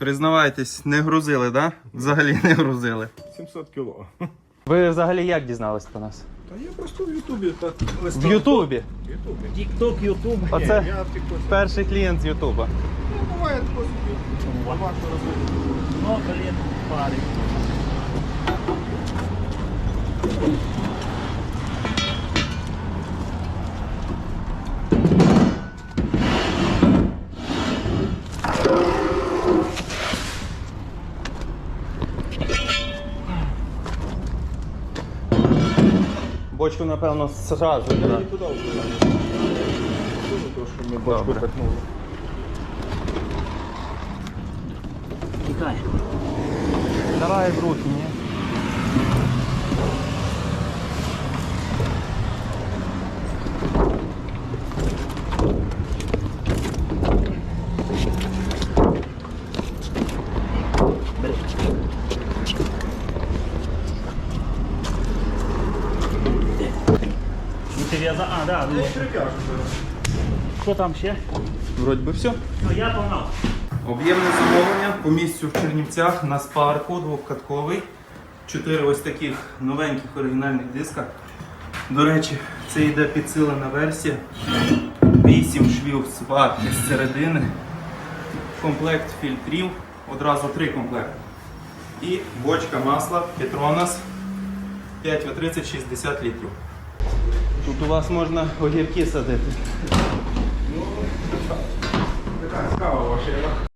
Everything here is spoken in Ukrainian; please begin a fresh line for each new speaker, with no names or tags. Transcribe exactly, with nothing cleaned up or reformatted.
Признавайтесь, не грузили, да? Взагалі не грузили.
сімсот кіло.
Ви взагалі як дізнались про нас?
Та я просто в Ютубі так листав.
В Ютубі?
В Ютубі.
Тік-ток, Ютуб.
Оце
Я в тіктоці.
перший клієнт з Ютуба.
Ну, буває тако собі. Важко робити.
Ну, блін, парень.
Бочку, напевно, зразу.
Я
Да.
не туди вкладаю. Дуже трошки ми бочку
Добре.
пихнули.
Тікай.
Давай в руки, ні?
Бери. Ну, ти в'яза... А, да, ну.
Прип'яжу зараз.
Що там ще?
Вроді би все.
Ну, я погнав.
Об'ємне замовлення по місцю в Чернівцях на спарку двохкатковий. Чотири ось таких новеньких оригінальних диска. До речі, це йде підсилена версія. Вісім швів сварки з середини. Комплект фільтрів. Одразу три комплекти. І бочка масла Petronas п'ять ве тридцять шістдесят літрів. Тут у вас можна огірки садити.
Така цікава ваша.